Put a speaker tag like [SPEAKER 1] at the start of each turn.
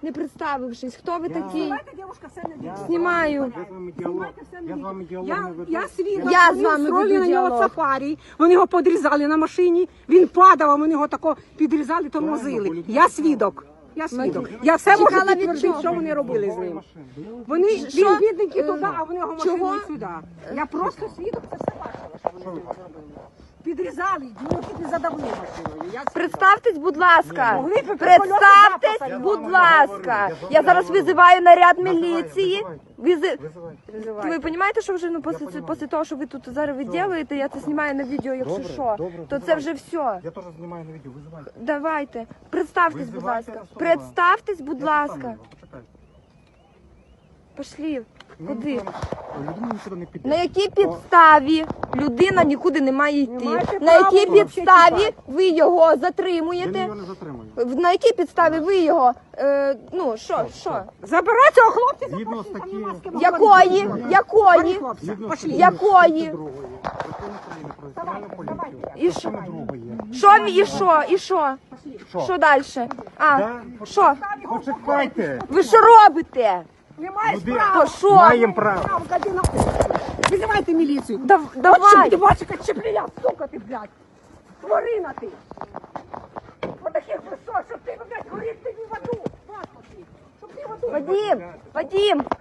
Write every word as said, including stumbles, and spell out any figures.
[SPEAKER 1] не представившись. Хто ви такі?
[SPEAKER 2] Знімайте, дівчинка, все не дійсно.
[SPEAKER 1] Знімаю.
[SPEAKER 3] Я з вами діалог, я з вами діалог
[SPEAKER 2] Я,
[SPEAKER 3] не веду.
[SPEAKER 2] я свідок,
[SPEAKER 1] Я з
[SPEAKER 2] вони
[SPEAKER 1] вами
[SPEAKER 2] устроїли
[SPEAKER 1] веду
[SPEAKER 2] на нього
[SPEAKER 1] діалог.
[SPEAKER 2] сафарі, вони його подрізали на машині, він падав, а вони його тако підрізали, тормозили. Я свідок. Я свідок. Я все можу
[SPEAKER 1] Чекала від
[SPEAKER 2] підтвердити,
[SPEAKER 1] чого?
[SPEAKER 2] що вони робили з ним.
[SPEAKER 3] Машин.
[SPEAKER 2] Вони,
[SPEAKER 1] Що?
[SPEAKER 2] він бідненький
[SPEAKER 1] Е,
[SPEAKER 2] туди, а вони його
[SPEAKER 1] чого?
[SPEAKER 2] машиною сюди. Я просто свідок, це все бачила, що вони з ним зробили. Підрізали, ну чуть не задавили машиною. Я свідок.
[SPEAKER 1] Представтесь, будь ласка.
[SPEAKER 2] Могли б
[SPEAKER 1] Представтесь,
[SPEAKER 2] колеса
[SPEAKER 1] будь
[SPEAKER 3] запасати.
[SPEAKER 1] ласка.
[SPEAKER 3] Я з вами
[SPEAKER 1] Я зараз
[SPEAKER 3] говорю.
[SPEAKER 1] визиваю наряд
[SPEAKER 3] Визивайте,
[SPEAKER 1] міліції.
[SPEAKER 3] визивайте.
[SPEAKER 1] Визи-
[SPEAKER 3] Визивайте.
[SPEAKER 1] Ви розумієте, що вже ну після,
[SPEAKER 3] понімаю.
[SPEAKER 1] після того, що ви тут зараз ви робите, я це знімаю на відео, якщо
[SPEAKER 3] Добре,
[SPEAKER 1] що,
[SPEAKER 3] добре,
[SPEAKER 1] то це
[SPEAKER 3] визивайте.
[SPEAKER 1] вже все.
[SPEAKER 3] Я теж знімаю на відео, визивайте.
[SPEAKER 1] Давайте. Представтесь, будь
[SPEAKER 3] Визивайте
[SPEAKER 1] ласка.
[SPEAKER 3] особу.
[SPEAKER 1] Представтесь, будь
[SPEAKER 3] Я
[SPEAKER 1] ласка.
[SPEAKER 3] сам його, почекайте.
[SPEAKER 1] Пошлі.
[SPEAKER 3] Ну,
[SPEAKER 1] Куди?
[SPEAKER 3] ніхто не- Людина нікуди не піде.
[SPEAKER 1] На якій підставі людина нікуди не має йти?
[SPEAKER 2] маєте
[SPEAKER 1] На якій
[SPEAKER 2] права
[SPEAKER 1] підставі
[SPEAKER 2] взагалі
[SPEAKER 1] ви його
[SPEAKER 3] Я
[SPEAKER 1] затримуєте?
[SPEAKER 3] його не затримую.
[SPEAKER 1] На якій підставі ви його, е, ну, що, що?
[SPEAKER 2] Забирай цього хлопця,
[SPEAKER 3] Згідно
[SPEAKER 2] запашіть, там
[SPEAKER 3] статті-
[SPEAKER 2] нема з ким
[SPEAKER 1] Якої?
[SPEAKER 2] говорити.
[SPEAKER 1] Якої?
[SPEAKER 2] Пані хлопця,
[SPEAKER 3] Згідно
[SPEAKER 2] пошли.
[SPEAKER 3] статті
[SPEAKER 1] Якої?
[SPEAKER 3] тридцять другої Закону України про національну поліцію.
[SPEAKER 1] І що?
[SPEAKER 3] Частини другої.
[SPEAKER 1] Що і що? І що? Що далі? А,
[SPEAKER 3] Да?
[SPEAKER 1] що?
[SPEAKER 3] Почекайте.
[SPEAKER 1] Ви що робите?
[SPEAKER 2] Не маєш
[SPEAKER 3] Люди-
[SPEAKER 2] права.
[SPEAKER 1] То що?
[SPEAKER 3] Маємо право.
[SPEAKER 2] Право, гади на- Визивайте міліцію.
[SPEAKER 1] Дав-
[SPEAKER 2] От щоб
[SPEAKER 1] Давай!
[SPEAKER 2] ти бачиш, яка чепля, сука ти, блядь. Тварина ти. По таких висот, щоб ти, блядь, горів ти в аду. Господи, щоб ти в аду.
[SPEAKER 1] Вадим! Вадим!